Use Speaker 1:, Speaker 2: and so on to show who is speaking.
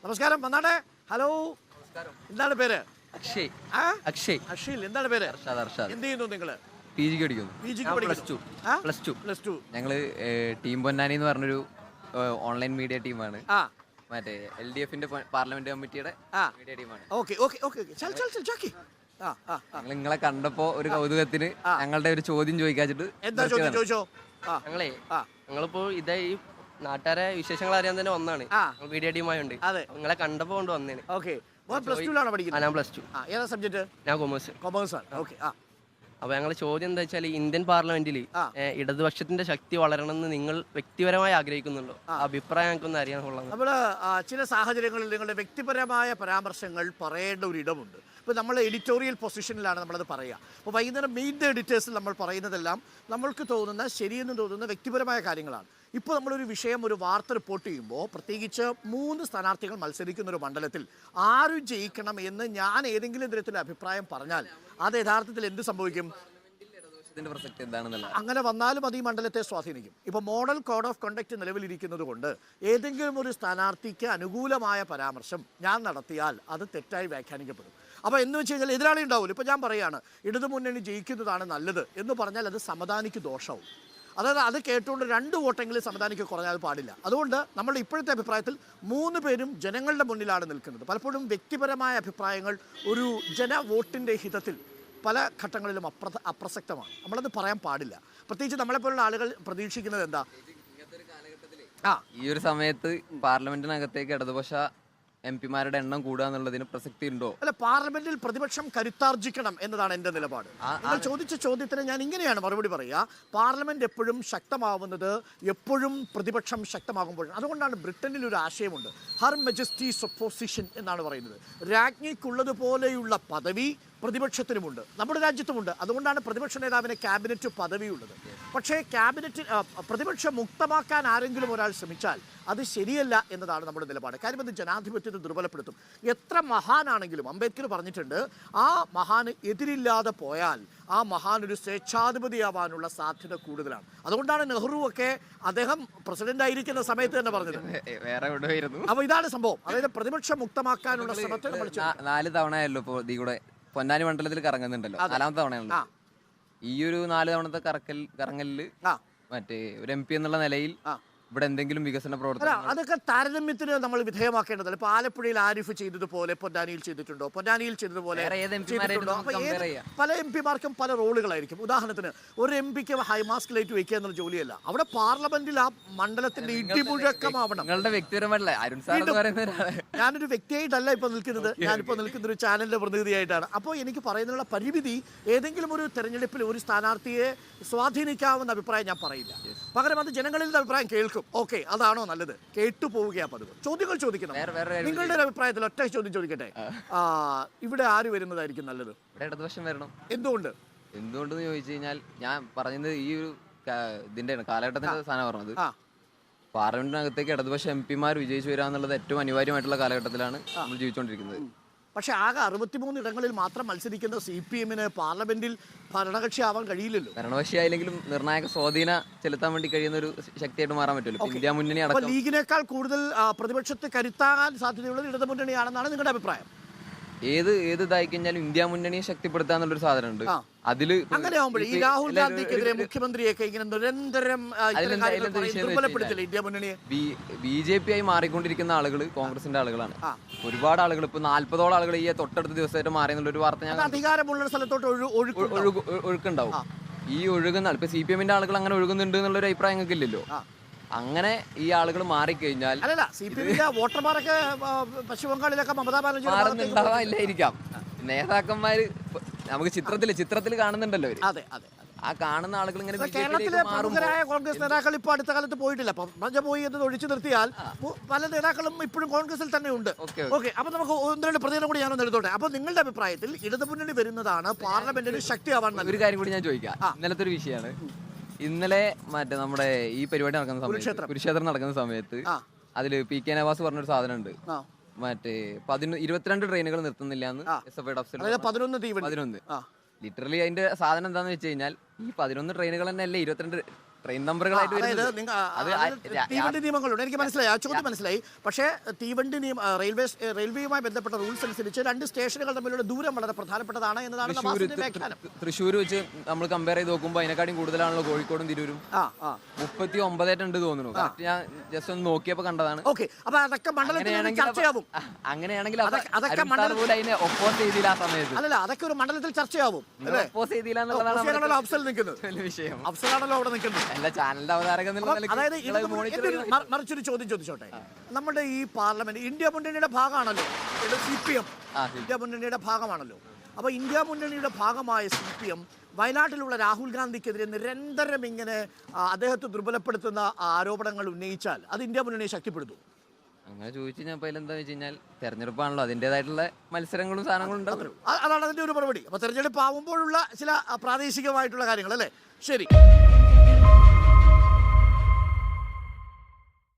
Speaker 1: നമസ്കാരം, വന്നാട്ടെ. ഹലോ, എന്താണ് പേര്?
Speaker 2: അക്ഷയ്.
Speaker 1: ആ?
Speaker 2: അക്ഷയ്.
Speaker 1: അക്ഷയിൽ. എന്താണ് പേര്? എന്ത് ചെയ്യുന്നു നിങ്ങള്?
Speaker 2: PG പഠിക്കുന്നു.
Speaker 1: Plus two.
Speaker 2: ഞങ്ങള് ടീം പൊന്നാനി എന്ന് പറഞ്ഞൊരു ഓൺലൈൻ മീഡിയ ടീമാണ്. മറ്റേ LDF പാർലമെന്റ് കമ്മിറ്റിയുടെ മീഡിയ ടീമാണ്. ഞങ്ങൾ നിങ്ങളെ കണ്ടപ്പോ ഒരു കൗതുകത്തിന് ഞങ്ങളുടെ ഒരു ചോദ്യം ചോദിക്കാച്ചിട്ട്.
Speaker 1: എന്താ ചോദ്യം? ചോദിച്ചോ.
Speaker 3: ഞങ്ങളിപ്പോ ഇതേ ഈ നാട്ടുകാരെ വിശേഷങ്ങൾ അറിയാൻ തന്നെ വന്നാണ്. മീഡിയ ടീമായുണ്ട്. നിങ്ങളെ കണ്ടപ്പോ കൊണ്ട് വന്നേന്.
Speaker 1: പ്ലസ് ടു ആണോ പഠിക്കുന്നത്?
Speaker 3: ഞാൻ പ്ലസ് ടു.
Speaker 1: ഏതാ സബ്ജക്ട്?
Speaker 3: ഞാൻ കൊമേഴ്സ്.
Speaker 1: കൊമേഴ്സ് ആണ്. ഓക്കെ.
Speaker 3: അപ്പൊ ഞങ്ങളെ ചോദ്യം എന്താ വെച്ചാൽ ഇന്ത്യൻ പാർലമെന്റിൽ ഇടതുപക്ഷത്തിന്റെ ശക്തി വളരണമെന്ന് നിങ്ങൾ വ്യക്തിപരമായി ആഗ്രഹിക്കുന്നുണ്ടോ? അഭിപ്രായം ഞങ്ങൾക്കൊന്ന് അറിയാനുള്ളത്.
Speaker 1: നമ്മള് ചില സാഹചര്യങ്ങളിൽ നിങ്ങളുടെ വ്യക്തിപരമായ പരാമർശങ്ങൾ പറയേണ്ട ഒരു ഇടമുണ്ട്. ഇപ്പോൾ നമ്മൾ എഡിറ്റോറിയൽ പൊസിഷനിലാണ് നമ്മളത് പറയുക. അപ്പോൾ വൈകുന്നേരം മീറ്റ് ദ എഡിറ്റേഴ്സിൽ നമ്മൾ പറയുന്നതെല്ലാം നമ്മൾക്ക് തോന്നുന്ന ശരിയെന്ന് തോന്നുന്ന വ്യക്തിപരമായ കാര്യങ്ങളാണ്. ഇപ്പോൾ നമ്മളൊരു വിഷയം, ഒരു വാർത്ത റിപ്പോർട്ട് ചെയ്യുമ്പോൾ, പ്രത്യേകിച്ച് 3 സ്ഥാനാർത്ഥികൾ മത്സരിക്കുന്ന ഒരു മണ്ഡലത്തിൽ ആര് ജയിക്കണം എന്ന് ഞാൻ ഏതെങ്കിലും തരത്തിൽ അഭിപ്രായം പറഞ്ഞാൽ അത് യഥാർത്ഥത്തിൽ എന്ത് സംഭവിക്കും? അങ്ങനെ വന്നാലും അത് ഈ മണ്ഡലത്തെ സ്വാധീനിക്കും. ഇപ്പോൾ മോഡൽ കോഡ് ഓഫ് കണ്ടക്ട് നിലവിലിരിക്കുന്നത് കൊണ്ട് ഏതെങ്കിലും ഒരു സ്ഥാനാർത്ഥിക്ക് അനുകൂലമായ പരാമർശം ഞാൻ നടത്തിയാൽ അത് തെറ്റായി വ്യാഖ്യാനിക്കപ്പെടും. അപ്പോൾ എന്ന് വെച്ച് കഴിഞ്ഞാൽ എതിരാളി ഉണ്ടാവില്ല. ഇപ്പോൾ ഞാൻ പറയുകയാണ് ഇടതുമുന്നണി ജയിക്കുന്നതാണ് നല്ലത് എന്ന് പറഞ്ഞാൽ അത് സമദാനിക്ക് ദോഷവും. അതായത് അത് കേട്ടുകൊണ്ട് 2 വോട്ടെങ്കിലും സമദാനിക്ക് കുറഞ്ഞാൽ പാടില്ല. അതുകൊണ്ട് നമ്മുടെ ഇപ്പോഴത്തെ അഭിപ്രായത്തിൽ 3 പേരും ജനങ്ങളുടെ മുന്നിലാണ് നിൽക്കുന്നത്. പലപ്പോഴും വ്യക്തിപരമായ അഭിപ്രായങ്ങൾ ഒരു ജനവോട്ടിൻ്റെ ഹിതത്തിൽ പല ഘട്ടങ്ങളിലും അപ്രസക്തമാണ്. നമ്മളത് പറയാൻ പാടില്ല. പ്രത്യേകിച്ച് നമ്മളെപ്പോലുള്ള ആളുകൾ പ്രതീക്ഷിക്കുന്നത് എന്താ?
Speaker 2: ഈ ഒരു സമയത്ത് പാർലമെന്റിനകത്തേക്ക് ഇടതുപക്ഷ MP-മാരുടെ എണ്ണം കൂടുക എന്നുള്ളതിന് പ്രസക്തി ഉണ്ടോ?
Speaker 1: അല്ല, പാർലമെന്റിൽ പ്രതിപക്ഷം കരുത്താർജിക്കണം എന്നതാണ് എൻ്റെ നിലപാട്. നിങ്ങൾ ചോദിച്ച ചോദ്യത്തിന് ഞാൻ ഇങ്ങനെയാണ് മറുപടി പറയുക. പാർലമെന്റ് എപ്പോഴും ശക്തമാവുന്നത് എപ്പോഴും പ്രതിപക്ഷം ശക്തമാകുമ്പോഴാണ്. അതുകൊണ്ടാണ് ബ്രിട്ടനിൽ ഒരു ആശയമുണ്ട്, ഹർ മജസ്റ്റീസ് ഒപ്പോസിഷൻ എന്നാണ് പറയുന്നത്. രാജ്ഞിക്കുള്ളതുപോലെയുള്ള പദവി പ്രതിപക്ഷത്തിനുമുണ്ട്, നമ്മുടെ രാജ്യത്തുമുണ്ട്. അതുകൊണ്ടാണ് പ്രതിപക്ഷ നേതാവിന് ക്യാബിനറ്റ് പദവിയുള്ളത്. പക്ഷേ പ്രതിപക്ഷ മുക്തമാക്കാൻ ആരെങ്കിലും ഒരാൾ ശ്രമിച്ചാൽ അത് ശരിയല്ല എന്നതാണ് നമ്മുടെ നിലപാട്. കാര്യം അത് ജനാധിപത്യത്തെ ദുർബലപ്പെടുത്തും. എത്ര മഹാനാണെങ്കിലും അംബേദ്കർ പറഞ്ഞിട്ടുണ്ട്, ആ മഹാന് എതിരില്ലാതെ പോയാൽ ആ മഹാൻ ഒരു സ്വേച്ഛാധിപതിയാവാനുള്ള സാധ്യത കൂടുതലാണ്. അതുകൊണ്ടാണ് നെഹ്റു ഒക്കെ അദ്ദേഹം പ്രസിഡന്റ് ആയിരിക്കുന്ന സമയത്ത് തന്നെ പറഞ്ഞത്. അപ്പൊ ഇതാണ് സംഭവം. അതായത് പ്രതിപക്ഷം മുക്തമാക്കാനുള്ള ശ്രമത്തെ നമ്മൾ
Speaker 2: 4 തവണയല്ലോ ഇപ്പോൾ കൂടെ പൊന്നാനി മണ്ഡലത്തിൽ കറങ്ങുന്നുണ്ടല്ലോ, 4ാമത്തെ തവണയാണല്ലോ. ഈ ഒരു 4 തവണത്തെ കറങ്ങലില് മറ്റേ ഒരു MP എന്നുള്ള നിലയിൽ ഇവിടെ എന്തെങ്കിലും വികസന പ്രവർത്തനം
Speaker 1: അതൊക്കെ താരതമ്യത്തിന് നമ്മൾ വിധേയമാക്കേണ്ടതല്ല. ഇപ്പൊ ആലപ്പുഴയിൽ ആരിഫ് ചെയ്തതുപോലെ പൊന്നാനിയിൽ ചെയ്തിട്ടുണ്ടോ? പൊന്നാനിയിൽ ചെയ്തതുപോലെ പല MP-മാർക്കും പല റോളുകളായിരിക്കും. ഉദാഹരണത്തിന് ഒരു MP-ക്ക് ഹൈമാസ്ക് ലൈറ്റ് വെക്കുക എന്നുള്ള ജോലിയല്ല. അവിടെ പാർലമെന്റിൽ ആ മണ്ഡലത്തിന്റെ ഇടിമുഴക്കമാവണം. ഞാനൊരു വ്യക്തിയായിട്ടല്ല ഇപ്പൊ നിൽക്കുന്നത്, ഞാനിപ്പോ നിൽക്കുന്ന ഒരു ചാനലിന്റെ പ്രതിനിധിയായിട്ടാണ്. അപ്പോൾ എനിക്ക് പറയുന്നതിനുള്ള പരിമിതി ഏതെങ്കിലും ഒരു തെരഞ്ഞെടുപ്പിൽ ഒരു സ്ഥാനാർത്ഥിയെ സ്വാധീനിക്കാവുന്ന അഭിപ്രായം ഞാൻ പറയില്ല. പകരം അത് ജനങ്ങളിൽ നിന്ന് അഭിപ്രായം കേൾക്കും. ഓക്കെ, അതാണോ നല്ലത്? കേട്ടു പോവുകയാ പതിവ്. ചോദ്യങ്ങൾ ചോദിക്കണം. നിങ്ങളുടെ ഒരു അഭിപ്രായത്തിൽ ഒറ്റ ചോദ്യം ചോദിക്കട്ടെ, ഇവിടെ ആര് വരുന്നതായിരിക്കും നല്ലത്?
Speaker 2: ഇടതുപക്ഷം വരണം.
Speaker 1: എന്തുകൊണ്ടെന്ന്
Speaker 2: ചോദിച്ചു കഴിഞ്ഞാൽ ഞാൻ പറഞ്ഞത് ഈ ഒരു ഇതിന്റെ കാലഘട്ടത്തിന്റെ സാധനം പറഞ്ഞത്, പാർലമെന്റിനകത്തേക്ക് ഇടതുപക്ഷ MP-മാർ വിജയിച്ചു വരിക എന്നുള്ളത് ഏറ്റവും അനിവാര്യമായിട്ടുള്ള കാലഘട്ടത്തിലാണ് നമ്മൾ ജീവിച്ചുകൊണ്ടിരിക്കുന്നത്.
Speaker 1: പക്ഷേ ആകെ 63 ഇടങ്ങളിൽ മാത്രം മത്സരിക്കുന്ന CPM-ന് പാർലമെന്റിൽ ഭരണകക്ഷി ആവാൻ കഴിയില്ലല്ലോ.
Speaker 2: ഭരണകക്ഷി ആയില്ലെങ്കിലും നിർണായക സ്വാധീനം ചെലുത്താൻ വേണ്ടി കഴിയുന്ന ഒരു ശക്തിയായിട്ട് മാറാൻ പറ്റുമല്ലോ. ഇന്ത്യ മുന്നണി അടക്കം
Speaker 1: ലീഗിനേക്കാൾ കൂടുതൽ പ്രതിപക്ഷത്തെ കരുത്താകാൻ സാധ്യതയുള്ളത് ഇടതുമുന്നണിയാണെന്നാണ് നിങ്ങളുടെ അഭിപ്രായം.
Speaker 2: ഏത് ഇതായി കഴിഞ്ഞാലും ഇന്ത്യ മുന്നണിയെ ശക്തിപ്പെടുത്തുക എന്നുള്ളൊരു സാധനമുണ്ട്. അതില്
Speaker 1: അങ്ങനെ ആവുമ്പോൾ ഈ രാഹുൽ ഗാന്ധിക്കെതിരെ മുഖ്യമന്ത്രിയൊക്കെ ഇങ്ങനെ നിരന്തരം ദുർബലപ്പെടുത്തില്ല ഇന്ത്യ മുന്നണിയെ.
Speaker 2: BJP ആയി മാറിക്കൊണ്ടിരിക്കുന്ന ആളുകൾ കോൺഗ്രസിന്റെ ആളുകളാണ്. ഒരുപാട് ആളുകൾ ഇപ്പൊ 40ഓളം ആളുകൾ ഈ തൊട്ടടുത്ത ദിവസമായിട്ട് മാറി എന്നുള്ള ഒരു വാർത്ത ഞാൻ
Speaker 1: അധികാരമുള്ള സ്ഥലത്തോട്ട്
Speaker 2: ഒഴുക്കുണ്ടാവും. ഈ ഒഴുകുന്ന ഇപ്പൊ CPM-ന്റെ ആളുകൾ അങ്ങനെ ഒഴുകുന്നുണ്ട് എന്നുള്ളൊരു അഭിപ്രായം ഞങ്ങൾക്ക് ഇല്ലല്ലോ. അങ്ങനെ ഈ ആളുകൾ മാറിക്കഴിഞ്ഞാൽ
Speaker 1: വോട്ടർമാരൊക്കെ പശ്ചിമ ബംഗാളിലൊക്കെ മമതാ ബാനർജി
Speaker 2: മാറുന്നുണ്ടാവാനില്ലായിരിക്കാം. നേതാക്കന്മാര് നമുക്ക് ചിത്രത്തിൽ കാണുന്നുണ്ടല്ലോ അവര്.
Speaker 1: അതെ അതെ.
Speaker 2: ആ കാണുന്ന ആളുകൾ ഇങ്ങനെ
Speaker 1: കേരളത്തിലെ പ്രമുഖരായ കോൺഗ്രസ് നേതാക്കൾ ഇപ്പൊ അടുത്ത കാലത്ത് പോയിട്ടില്ല. മജ പോയി എന്ന് ഒഴിച്ചു നിർത്തിയാൽ പല നേതാക്കളും ഇപ്പോഴും കോൺഗ്രസിൽ തന്നെ ഉണ്ട്. ഓക്കെ, അപ്പൊ നമുക്ക് 1-2 പ്രതികരണം കൂടി ഞാനൊന്ന് എടുത്തോട്ടെ. അപ്പൊ നിങ്ങളുടെ അഭിപ്രായത്തിൽ ഇടതുമുന്നണി വരുന്നതാണ് പാർലമെന്റിന് ശക്തിയാവാൻ.
Speaker 2: ഒരു കാര്യം കൂടി ഞാൻ ചോദിക്കാം. ഇന്നലത്തെ ഒരു വിഷയമാണ്. ഇന്നലെ മറ്റേ നമ്മുടെ ഈ പരിപാടി നടക്കുന്ന സമയത്ത്, കുരുക്ഷേത്രം നടക്കുന്ന സമയത്ത് അതില് PK നവാസ് പറഞ്ഞൊരു സാധനം ഉണ്ട്. മറ്റേ 22 ട്രെയിനുകൾ നിർത്തുന്നില്ല എന്ന് SFI അഫ്സൽ. 11 ലിറ്ററലി അതിന്റെ സാധനം എന്താന്ന് വെച്ച് കഴിഞ്ഞാൽ ഈ 11 ട്രെയിനുകൾ തന്നെ അല്ലേ 22 ട്രെയിൻ നമ്പറുകളായിട്ട്
Speaker 1: അതായത്
Speaker 2: വരുന്നത്.
Speaker 1: തീവണ്ടി നിയമങ്ങളുണ്ട്, എനിക്ക് മനസ്സിലായി, ആ ചോദ്യം മനസ്സിലായി. പക്ഷേ തീവണ്ടി റെയിൽവേയുമായി ബന്ധപ്പെട്ട റൂൾസ് അനുസരിച്ച് 2 സ്റ്റേഷനുകൾ തമ്മിലുള്ള ദൂരം വളരെ പ്രധാനപ്പെട്ടതാണ് എന്നതാണ് നവാസിന്റെ വ്യാഖ്യാനം.
Speaker 2: തൃശ്ശൂർ വെച്ച് നമ്മൾ കമ്പയർ ചെയ്ത് നോക്കുമ്പോൾ അതിനെക്കാളും കൂടുതലാണല്ലോ കോഴിക്കോടും തിരൂരും. 39 തോന്നുന്നു. കറക്റ്റ് ഞാൻ ജസ്റ്റ് ഒന്ന് നോക്കിയപ്പോൾ കണ്ടതാണ്.
Speaker 1: ഓക്കെ, അപ്പൊ അതൊക്കെ മണ്ഡലത്തിൽ ചർച്ചയാവും.
Speaker 2: അങ്ങനെയാണെങ്കിൽ
Speaker 1: അതൊക്കെ
Speaker 2: അതിനെ ഒപ്പോസ് ചെയ്തില്ല ആ സമയത്ത്.
Speaker 1: അല്ലല്ല, അതൊക്കെ ഒരു മണ്ഡലത്തിൽ ചർച്ചയാവും.
Speaker 2: ഒപ്പോസ് ചെയ്തില്ല എന്നുള്ളതാണ്
Speaker 1: അഫ്സൽ നിൽക്കുന്നത്,
Speaker 2: വിഷയം.
Speaker 1: അഫ്സലാണല്ലോ അവിടെ നിൽക്കുന്നത്.
Speaker 2: അല്ല, ചാനലിന്റെ അവതാരകം എന്നുള്ള നിലയ്ക്ക്
Speaker 1: അതായത് മറിച്ചൊരു ചോദ്യം ചോദിച്ചോട്ടെ. നമ്മുടെ ഈ പാർലമെന്റ് ഇന്ത്യ മുന്നണിയുടെ ഭാഗമാണല്ലോ, CPM ഇന്ത്യ മുന്നണിയുടെ ഭാഗമാണല്ലോ. അപ്പൊ ഇന്ത്യ മുന്നണിയുടെ ഭാഗമായ CPM വയനാട്ടിലുള്ള രാഹുൽ ഗാന്ധിക്കെതിരെ നിരന്തരം ഇങ്ങനെ അദ്ദേഹത്തെ ദുർബലപ്പെടുത്തുന്ന ആരോപണങ്ങൾ ഉന്നയിച്ചാൽ അത് ഇന്ത്യ മുന്നണിയെ ശക്തിപ്പെടുത്തും.
Speaker 2: അങ്ങനെ ചോദിച്ചു ഞാൻ എന്താ വെച്ച് കഴിഞ്ഞാൽ തെരഞ്ഞെടുപ്പാണല്ലോ, അതിൻ്റെതായിട്ടുള്ള മത്സരങ്ങളും സാധനങ്ങളും ഉണ്ടാവും.
Speaker 1: അതാണ് അതിന്റെ ഒരു മറുപടി. അപ്പൊ തെരഞ്ഞെടുപ്പ് ആവുമ്പോഴുള്ള ചില പ്രാദേശികമായിട്ടുള്ള കാര്യങ്ങൾ അല്ലേ? ശരി.